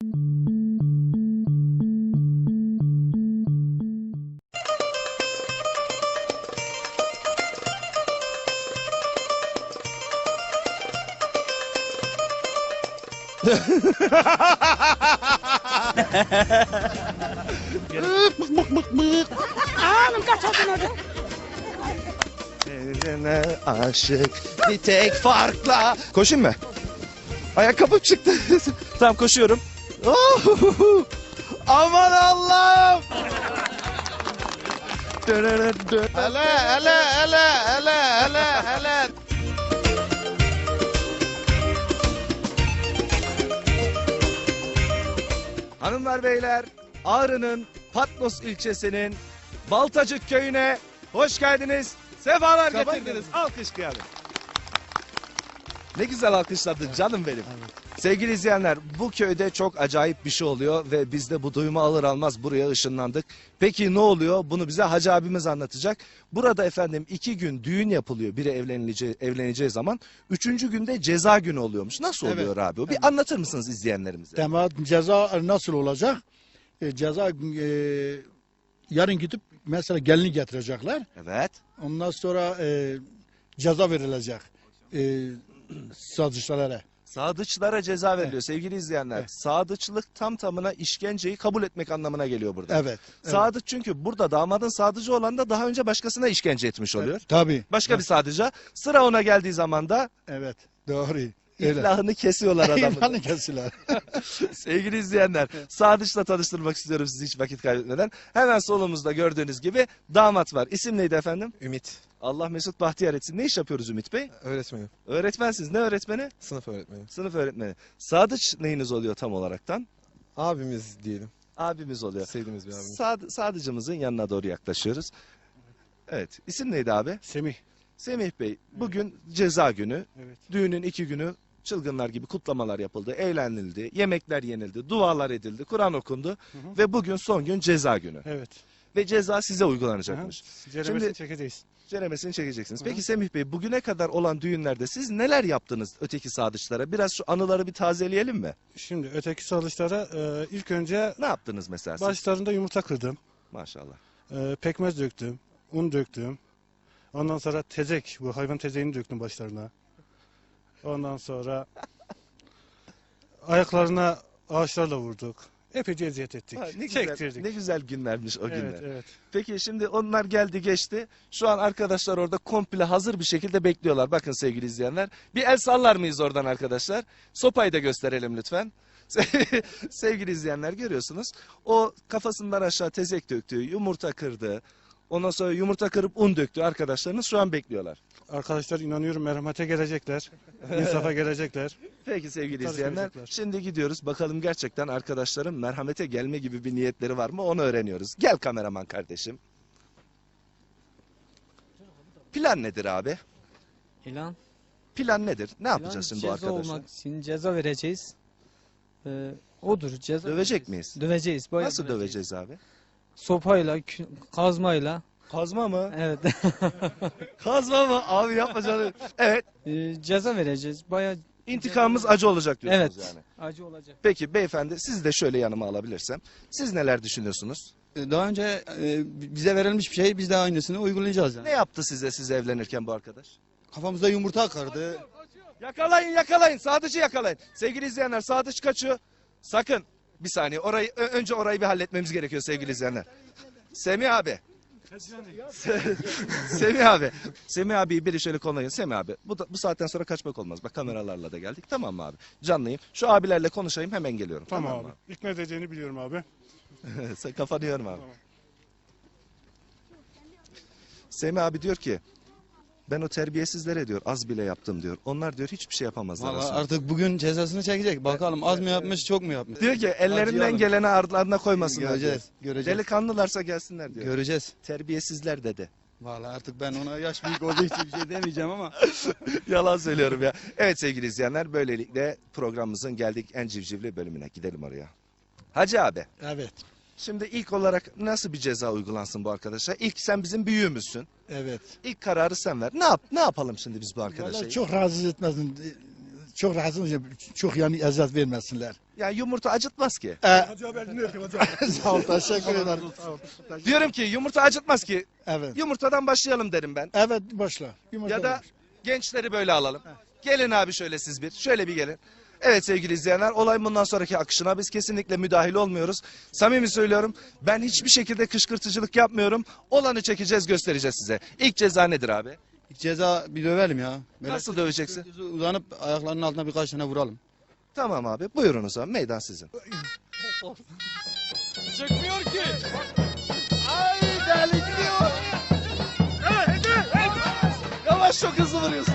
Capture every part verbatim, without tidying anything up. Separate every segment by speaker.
Speaker 1: Bık bık bık bık.
Speaker 2: Anam kaçırdın orada.
Speaker 1: Evrene aşık bir tek farkla. Koşayım mı? Ayakkabım çıktı. Tamam koşuyorum. Oh! Aman Allah'ım. Hele hele hele hele hele hele. Hanımlar beyler, Ağrı'nın Patnos ilçesinin Baltacık köyüne hoş geldiniz. Sefalar getirdiniz. Alkış geldi. Ne güzel alkışladın canım benim. Sevgili izleyenler, bu köyde çok acayip bir şey oluyor ve biz de bu duyumu alır almaz buraya ışınlandık. Peki ne oluyor? Bunu bize Hacı abimiz anlatacak. Burada efendim iki gün düğün yapılıyor biri evleneceği, evleneceği zaman. Üçüncü günde ceza günü oluyormuş. Nasıl
Speaker 3: Evet.
Speaker 1: oluyor abi? Bir
Speaker 3: Evet.
Speaker 1: anlatır mısınız izleyenlerimize?
Speaker 3: Tamam, ceza nasıl olacak? E, ceza e, yarın gidip mesela gelini getirecekler.
Speaker 1: Evet.
Speaker 3: Ondan sonra e, ceza verilecek e, sadıçlara.
Speaker 1: Sadıçlara ceza veriliyor sevgili izleyenler.
Speaker 3: Evet.
Speaker 1: Sadıçlık tam tamına işkenceyi kabul etmek anlamına geliyor burada.
Speaker 3: Evet. evet.
Speaker 1: Sadıç çünkü burada damadın sadıcı olan da daha önce başkasına işkence etmiş oluyor.
Speaker 3: Evet, tabii.
Speaker 1: Başka bir sadıca. Sıra ona geldiği zaman da
Speaker 3: Evet. Doğru. Öyle.
Speaker 1: iflahını kesiyorlar adamı.
Speaker 3: İlhanı kesiler.
Speaker 1: Sevgili izleyenler, Sadıç'la tanıştırmak istiyorum sizi hiç vakit kaybetmeden. Hemen solumuzda gördüğünüz gibi damat var. İsim neydi efendim?
Speaker 4: Ümit.
Speaker 1: Allah mesut bahtiyar etsin. Ne iş yapıyoruz Ümit Bey?
Speaker 4: Öğretmenim.
Speaker 1: Öğretmensiniz. Ne öğretmeni?
Speaker 4: Sınıf öğretmeni.
Speaker 1: Sınıf öğretmeni. Sadıç neyiniz oluyor tam olaraktan?
Speaker 4: Abimiz diyelim.
Speaker 1: Abimiz oluyor.
Speaker 4: Sevdiğimiz bir abimiz.
Speaker 1: Sad Sadıcımızın yanına doğru yaklaşıyoruz. Evet. İsim neydi abi?
Speaker 3: Semih.
Speaker 1: Semih Bey, bugün ceza günü.
Speaker 3: Evet.
Speaker 1: Düğünün iki günü çılgınlar gibi kutlamalar yapıldı, eğlenildi, yemekler yenildi, dualar edildi, Kur'an okundu
Speaker 3: hı.
Speaker 1: ve bugün son gün ceza günü.
Speaker 3: Evet.
Speaker 1: Ve ceza size uygulanacakmış.
Speaker 3: Ceremesini
Speaker 1: Şimdi-
Speaker 3: çekeceğiz.
Speaker 1: Ceremesini çekeceksiniz.
Speaker 3: Hı
Speaker 1: Peki
Speaker 3: hı.
Speaker 1: Semih Bey, bugüne kadar olan düğünlerde siz neler yaptınız öteki sadıçlara? Biraz şu anıları bir tazeleyelim mi?
Speaker 5: Şimdi öteki salışlara e, ilk önce
Speaker 1: Ne yaptınız mesela siz?
Speaker 5: başlarında yumurta kırdım.
Speaker 1: Maşallah.
Speaker 5: E, pekmez döktüm. Un döktüm. Ondan sonra tezek, bu hayvan tezeğini döktüm başlarına. Ondan sonra ayaklarına ağaçlarla vurduk. Epeyce eziyet ettik.
Speaker 1: Ha, ne, güzel,
Speaker 5: Çektirdik.
Speaker 1: ne güzel günlermiş o günler.
Speaker 5: Evet, evet.
Speaker 1: Peki şimdi onlar geldi geçti. Şu an arkadaşlar orada komple hazır bir şekilde bekliyorlar. Bakın sevgili izleyenler. Bir el sallar mıyız oradan arkadaşlar? Sopayı da gösterelim lütfen. Sevgili izleyenler görüyorsunuz. O kafasından aşağı tezek döktü, yumurta kırdı. Ondan sonra yumurta kırıp un döktü arkadaşlarınız şu an bekliyorlar.
Speaker 5: Arkadaşlar inanıyorum merhamete gelecekler. İnsafa gelecekler.
Speaker 1: Peki sevgili
Speaker 5: Tabii
Speaker 1: izleyenler
Speaker 5: görecekler.
Speaker 1: şimdi gidiyoruz. Bakalım gerçekten arkadaşların merhamete gelme gibi bir niyetleri var mı onu öğreniyoruz. Gel kameraman kardeşim. Plan nedir abi?
Speaker 6: İlan.
Speaker 1: Plan nedir? Ne
Speaker 6: İlan
Speaker 1: yapacağız şimdi bu
Speaker 6: ceza
Speaker 1: arkadaşlar?
Speaker 6: olmak için ceza vereceğiz. Ee, odur ceza.
Speaker 1: Dövecek miyiz?
Speaker 6: Döveceğiz. bayağı
Speaker 1: Nasıl döveceğiz abi?
Speaker 6: Sopayla, kü- kazmayla.
Speaker 1: Kazma mı?
Speaker 6: Evet.
Speaker 1: Kazma mı? Abi yapma canım. Evet.
Speaker 6: Ee, ceza vereceğiz. Bayağı
Speaker 1: İntikamımız acı olacak diyorsunuz
Speaker 6: evet.
Speaker 1: yani.
Speaker 6: Acı olacak.
Speaker 1: Peki beyefendi siz de şöyle yanıma alabilirsem. Siz neler düşünüyorsunuz?
Speaker 7: Daha önce e, bize verilmiş bir şey biz de aynısını uygulayacağız yani.
Speaker 1: Ne yaptı size siz evlenirken bu arkadaş?
Speaker 7: Kafamızda yumurta kırdı.
Speaker 1: Yakalayın yakalayın. Sadıç'ı yakalayın. Sevgili izleyenler Sadıç kaçıyor. Sakın. Bir saniye orayı ö- önce orayı bir halletmemiz gerekiyor sevgili izleyenler. Semih abi. Semih abi. Semih abi biri şöyle konulayın. Semih abi bu, da, bu saatten sonra kaçmak olmaz. Bak kameralarla da geldik. Tamam mı abi? Canlıyım. Şu abilerle konuşayım hemen geliyorum.
Speaker 5: Tamam,
Speaker 1: mı
Speaker 5: abi. İkna edeceğini biliyorum abi.
Speaker 1: Sen kafanı yorma abi.
Speaker 5: Tamam.
Speaker 1: Semih abi diyor ki ben o terbiyesizlere diyor az bile yaptım diyor. Onlar diyor hiçbir şey yapamazlar
Speaker 7: Vallahi
Speaker 1: aslında.
Speaker 7: artık bugün cezasını çekecek. Bakalım az mı yapmış çok mu yapmış?
Speaker 1: Diyor ki ellerinden
Speaker 7: Acıyalım.
Speaker 1: geleni ardlarına koymasınlar
Speaker 7: Göreceğiz.
Speaker 1: diyor.
Speaker 7: Göreceğiz.
Speaker 1: Delikanlılarsa gelsinler diyor.
Speaker 7: Göreceğiz.
Speaker 1: Terbiyesizler dedi.
Speaker 7: Vallahi artık ben ona yaş büyük olduğu için bir şey demeyeceğim ama.
Speaker 1: Yalan söylüyorum ya. Evet sevgili izleyenler böylelikle programımızın geldik en civcivli bölümüne. Gidelim oraya. Hacı abi.
Speaker 3: Evet.
Speaker 1: Şimdi ilk olarak nasıl bir ceza uygulansın bu arkadaşa? İlk sen bizim büyüğümüzsün.
Speaker 3: Evet.
Speaker 1: İlk kararı sen ver. Ne yap ne yapalım şimdi biz bu arkadaşa?
Speaker 3: Vallahi çok rahatsız etmesin. Çok rahatsız, çok yani eziyet vermesinler.
Speaker 1: Yani yumurta acıtmaz ki.
Speaker 3: E,
Speaker 5: Hacı abi elini öpeyim hacı abi.
Speaker 3: sağ ol, teşekkür ederim.
Speaker 1: Diyorum ki yumurta acıtmaz ki.
Speaker 3: Evet.
Speaker 1: Yumurtadan başlayalım derim ben.
Speaker 3: Evet, başla. Yumurta
Speaker 1: Ya da
Speaker 3: var.
Speaker 1: gençleri böyle alalım. Gelin abi şöyle siz bir. Şöyle bir gelin. Evet sevgili izleyenler, olay bundan sonraki akışına biz kesinlikle müdahil olmuyoruz. Samimi söylüyorum, ben hiçbir şekilde kışkırtıcılık yapmıyorum. Olanı çekeceğiz, göstereceğiz size. İlk ceza nedir abi?
Speaker 7: İlk ceza bir dövelim ya. Böyle
Speaker 1: Nasıl döveceksin?
Speaker 7: düz uzanıp ayaklarının altına birkaç tane vuralım.
Speaker 1: Tamam abi, buyurun o zaman, meydan sizin.
Speaker 6: Çıkmıyor ki.
Speaker 1: Ay deli gidiyor. Yavaş, çok hızlı vuruyorsun.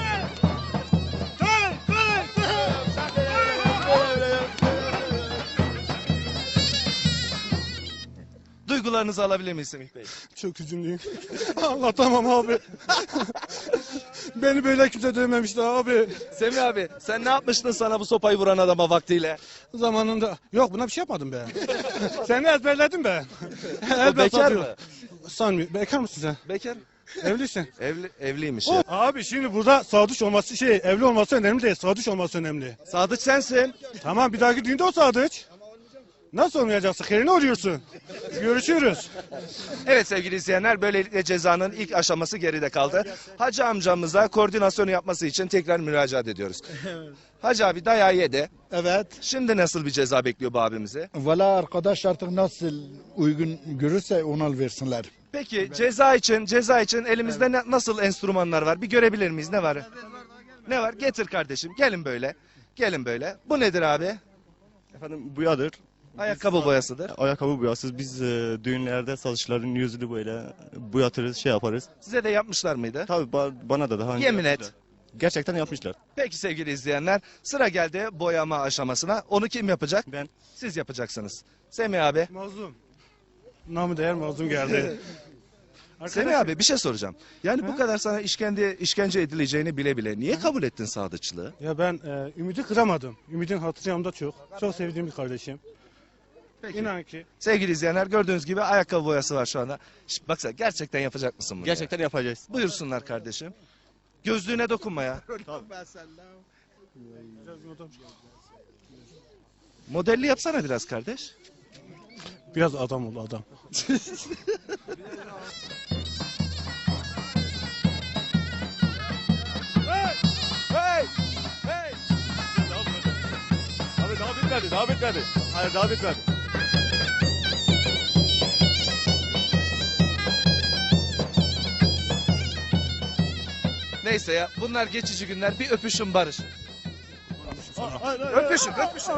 Speaker 1: Duygularınızı alabilir miyiz Semih Bey?
Speaker 5: Çok üzümlüyüm. Anlatamam abi. Beni böyle kimse dövmemişti abi.
Speaker 1: Semih abi, sen ne yapmıştın sana bu sopayı vuran adama vaktiyle?
Speaker 5: Zamanında. Yok buna bir şey yapmadım be. Seni ezberledim be.
Speaker 1: O bekar mı?
Speaker 5: Sanmıyorum. Bekar mısın sen?
Speaker 1: Bekar.
Speaker 5: Evlisin.
Speaker 1: Evli, evliymiş ya.
Speaker 5: Abi şimdi burada sadıç olması şey evli olması önemli değil. Sadıç olması önemli.
Speaker 1: Sadıç sensin.
Speaker 5: Tamam bir dahaki düğünde o sadıç. Nasıl olmayacaksın? Yerini arıyorsun. Görüşürüz.
Speaker 1: Evet sevgili izleyenler, böylelikle cezanın ilk aşaması geride kaldı. Hacı amcamıza koordinasyonu yapması için tekrar müracaat ediyoruz. Hacı abi dayağı yedi.
Speaker 3: Evet.
Speaker 1: Şimdi nasıl bir ceza bekliyor bu abimizi?
Speaker 3: Valla arkadaş artık nasıl uygun görürse ona versinler.
Speaker 1: Peki ceza için ceza için elimizde ne- nasıl enstrümanlar var? Bir görebilir miyiz? Ne var? Ne var? Getir kardeşim. Gelin böyle. Gelin böyle. Bu nedir abi?
Speaker 8: Efendim buyadır.
Speaker 1: Ayakkabı boyasıdır.
Speaker 8: Ayakkabı boyasız. Biz e, düğünlerde satışların yüzünü böyle boyatırız, şey yaparız.
Speaker 1: Size de yapmışlar mıydı?
Speaker 8: Tabii ba- bana da daha önce
Speaker 1: Yemin et.
Speaker 8: yapmışlar. Gerçekten yapmışlar.
Speaker 1: Peki sevgili izleyenler, sıra geldi boyama aşamasına. Onu kim yapacak?
Speaker 8: Ben
Speaker 1: Siz yapacaksınız. Semih abi.
Speaker 5: Mazlum. Namı değer mazlum geldi.
Speaker 1: Semih abi bir şey soracağım. Yani bu kadar sana işkence, işkence edileceğini bile bile niye kabul ettin sadıçlığı?
Speaker 5: Ya ben e, ümidi kıramadım. Ümidin hatırı yanımda çok. Çok sevdiğim bir kardeşim.
Speaker 1: Peki.
Speaker 5: İnan ki.
Speaker 1: Sevgili izleyenler, gördüğünüz gibi ayakkabı boyası var şu anda. Şişt, baksana, gerçekten yapacak mısın bunu?
Speaker 8: gerçekten yapacağız.
Speaker 1: ya? Buyursunlar kardeşim. Gözlüğüne dokunma ya. Modelli yapsana biraz kardeş.
Speaker 5: Biraz adam ol adam.
Speaker 1: Hey! Hey!
Speaker 8: Abi daha bitmedi, daha bitmedi. Hayır daha bitmedi.
Speaker 1: Neyse ya, bunlar geçici günler. Bir öpüşün barış. Öpüşün, öpüşün.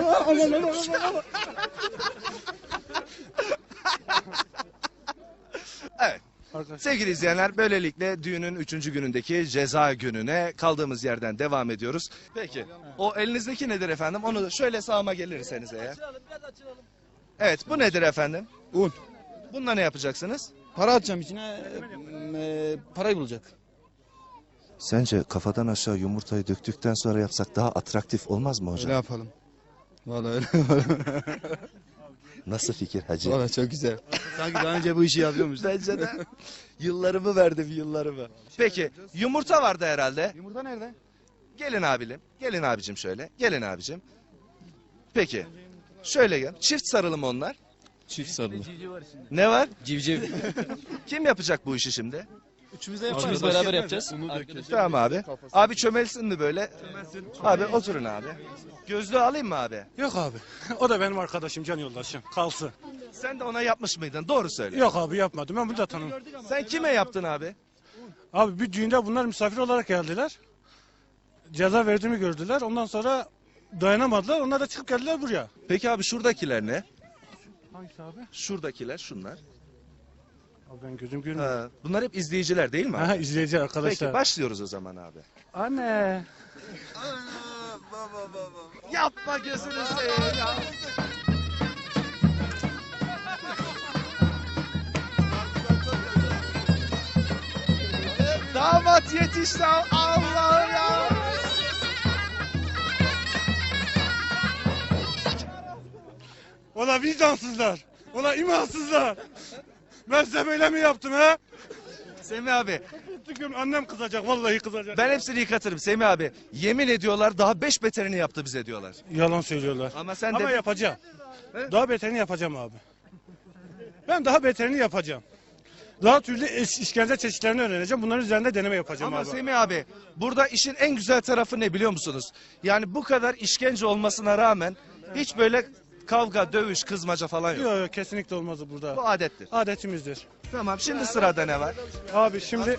Speaker 1: Evet.
Speaker 5: Arkadaş.
Speaker 1: Sevgili izleyenler, böylelikle düğünün üçüncü günündeki ceza gününe kaldığımız yerden devam ediyoruz. Peki, o elinizdeki nedir efendim? Onu da şöyle sağıma gelirseniz eğer. Evet, bu nedir efendim?
Speaker 7: Un.
Speaker 1: Bununla ne yapacaksınız?
Speaker 7: Para atacağım içine. E, e, parayı bulacak.
Speaker 1: Sence kafadan aşağı yumurtayı döktükten sonra yapsak daha atraktif olmaz mı
Speaker 7: Öyle yapalım. Vallahi öyle yapalım.
Speaker 1: Nasıl fikir hacı?
Speaker 7: Vallahi çok güzel. Sanki daha önce bu işi yapıyormuş.
Speaker 1: Bence de yıllarımı verdim, yıllarımı. Peki, yumurta vardı herhalde.
Speaker 7: Yumurta nerede?
Speaker 1: Gelin abilim, gelin abicim şöyle, gelin abicim. Peki, şöyle gel. Çift sarılı mı onlar?
Speaker 7: Çift sarılı.
Speaker 1: Ne var?
Speaker 6: Civciv.
Speaker 1: Kim yapacak bu işi şimdi?
Speaker 6: Üçümüz beraber yapacağız.
Speaker 1: Tamam abi. Abi çömelsin mi böyle? Abi oturun abi. Gözlüğü alayım mı abi?
Speaker 5: Yok abi. O da benim arkadaşım, can yoldaşım. Kalsın.
Speaker 1: Sen de ona yapmış mıydın? Doğru söyle.
Speaker 5: Yok abi yapmadım. Ben bunu da tanımam.
Speaker 1: Sen kime yaptın abi?
Speaker 5: Abi bir düğünde bunlar misafir olarak geldiler. Ceza verdiğimi gördüler. Ondan sonra dayanamadılar. Onlar da çıkıp geldiler buraya.
Speaker 1: Peki abi şuradakiler ne?
Speaker 5: Hangisi abi?
Speaker 1: Şuradakiler şunlar.
Speaker 5: Abi ben gözüm görmüyor.
Speaker 1: Ha, bunlar hep izleyiciler değil mi abi?
Speaker 5: Ha, izleyici
Speaker 1: Peki
Speaker 5: arkadaşlar.
Speaker 1: başlıyoruz o zaman abi.
Speaker 5: Anne.
Speaker 1: Yapma gözünü seveyim ya. Damat yetişti, Allah ya.
Speaker 5: Ola vicdansızlar. Ola imansızlar. Ben size böyle mi yaptım ha?
Speaker 1: Semih abi
Speaker 5: Tüküm annem kızacak vallahi kızacak.
Speaker 1: ben hepsini yıkatırım Semih abi. Yemin ediyorlar daha beş beterini yaptı bize diyorlar.
Speaker 5: Yalan söylüyorlar.
Speaker 1: Ama sen
Speaker 5: Ama
Speaker 1: de
Speaker 5: yapacağım. Daha beterini yapacağım abi. Ben daha beterini yapacağım. Daha türlü iş- işkence çeşitlerini öğreneceğim. Bunların üzerinde deneme yapacağım
Speaker 1: ama
Speaker 5: abi.
Speaker 1: Semih abi burada işin en güzel tarafı ne biliyor musunuz? Yani bu kadar işkence olmasına rağmen hiç böyle kavga, dövüş, kızmaca falan yok.
Speaker 5: Yok yok kesinlikle olmaz bu burada.
Speaker 1: Bu adettir.
Speaker 5: Adetimizdir.
Speaker 1: Tamam şimdi sırada ne var?
Speaker 5: Abi şimdi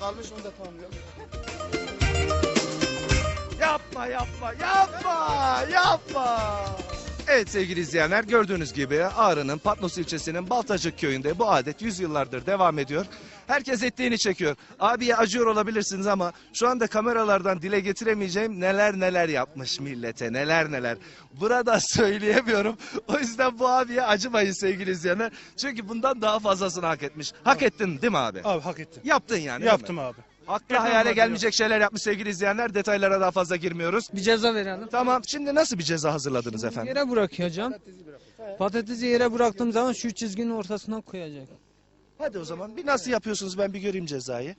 Speaker 1: Yapma yapma yapma yapma. Evet sevgili izleyenler gördüğünüz gibi Ağrı'nın Patnos ilçesinin Baltacık köyünde bu adet yüzyıllardır devam ediyor. Herkes ettiğini çekiyor. Abiye acıyor olabilirsiniz ama şu anda kameralardan dile getiremeyeceğim neler neler yapmış millete neler neler. Burada söyleyemiyorum. O yüzden bu abiye acımayın sevgili izleyenler. Çünkü bundan daha fazlasını hak etmiş. Hak ettin değil mi abi?
Speaker 5: abi hak ettim.
Speaker 1: Yaptın yani.
Speaker 5: Yaptım abi.
Speaker 1: Akla hayale gelmeyecek şeyler yapmış sevgili izleyenler. Detaylara daha fazla girmiyoruz.
Speaker 6: Bir ceza verelim.
Speaker 1: Tamam şimdi nasıl bir ceza hazırladınız efendim?
Speaker 6: Yere bırakacağım. Patatesi yere bıraktığım zaman şu çizginin ortasından koyacak.
Speaker 1: Hadi o zaman bir nasıl yapıyorsunuz ben bir göreyim cezayı.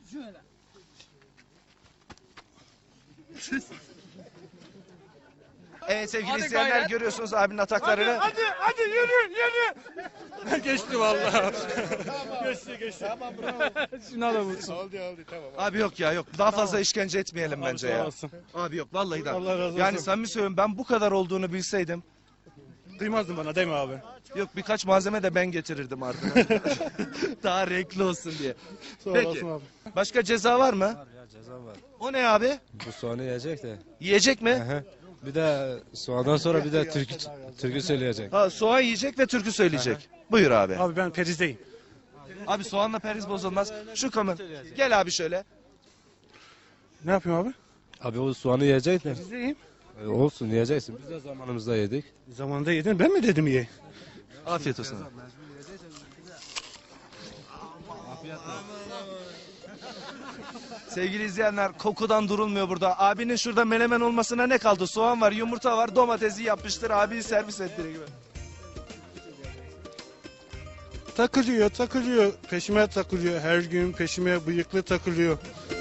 Speaker 1: Evet sevgili izleyenler görüyorsunuz abinin ataklarını.
Speaker 5: Hadi hadi yürü yürü. Geçti vallahi. geçti geçti.
Speaker 6: Şuna da vursun.
Speaker 1: Abi yok ya yok daha fazla işkence etmeyelim bence
Speaker 5: sağ
Speaker 1: ya.
Speaker 5: olasın.
Speaker 1: Abi yok vallahi da.
Speaker 5: Allah razı olsun.
Speaker 1: Yani samimi söylüyorum ben bu kadar olduğunu bilseydim.
Speaker 5: Kıymazdın bana değil mi abi?
Speaker 1: Yok birkaç malzeme de ben getirirdim ardına. Daha renkli olsun diye.
Speaker 5: Sağ
Speaker 1: Peki.
Speaker 5: olasın abi.
Speaker 1: Başka ceza var mı?
Speaker 9: Ya ceza var.
Speaker 1: O ne abi?
Speaker 9: Bu soğanı yiyecek de.
Speaker 1: Yiyecek mi?
Speaker 9: Aha. Bir de soğandan sonra bir de türkü türkü söyleyecek.
Speaker 1: Ha, soğan yiyecek ve türkü söyleyecek. Buyur abi.
Speaker 5: Abi ben perizdeyim.
Speaker 1: Abi soğanla periz bozulmaz. Şu kamera. Gel abi şöyle.
Speaker 5: Ne yapayım abi?
Speaker 9: Abi o soğanı yiyecek de.
Speaker 5: Perizdeyim.
Speaker 9: E, olsun yiyeceksin. Biz de zamanımızda yedik.
Speaker 5: Zamanında yedin ben mi dedim ye?
Speaker 1: Afiyet olsun. Sevgili izleyenler kokudan durulmuyor burada. Abinin şurada menemen olmasına ne kaldı? Soğan var, yumurta var, domatesi yapmıştır. Abiyi servis ettiği gibi.
Speaker 5: Takılıyor takılıyor. Peşime takılıyor. Her gün peşime bıyıklı takılıyor.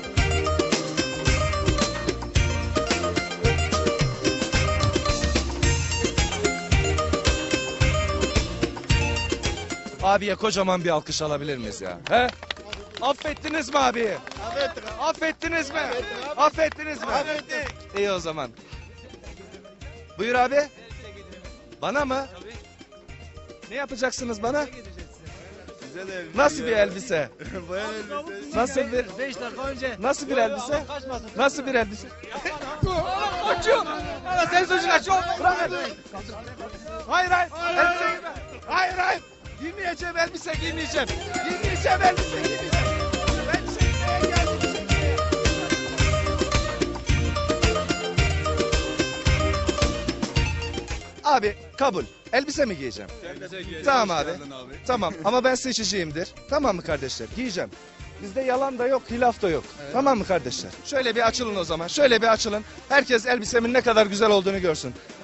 Speaker 1: Abiye kocaman bir alkış alabilir miyiz ya? He? Affettiniz mi abi? Affettik. Affettiniz mi? Affettiniz mi? Affettik. İyi o zaman. Buyur abi. Bana mı? Ne yapacaksınız bana? Nasıl bir elbise? Nasıl bir beş dakika önce. Nasıl bir elbise? Nasıl bir elbise? Kaçıyor. Ana sen sözün kaçıyor. Bırak. Hayır hayır. Elbise giyme. Hayır hayır. Giymeyeceğim elbise giymeyeceğim. Giymeyeceğim elbise giymeyeceğim. Ben çekmeye geldim çekmeye. Abi kabul. Elbise mi giyeceğim? Tamam abi. Tamam ama ben seçiciyimdir. Tamam mı kardeşler? Giyeceğim. Bizde yalan da yok, hilaf da yok. Tamam mı kardeşler? Şöyle bir açılın o zaman. Şöyle bir açılın. Herkes elbisemin ne kadar güzel olduğunu görsün.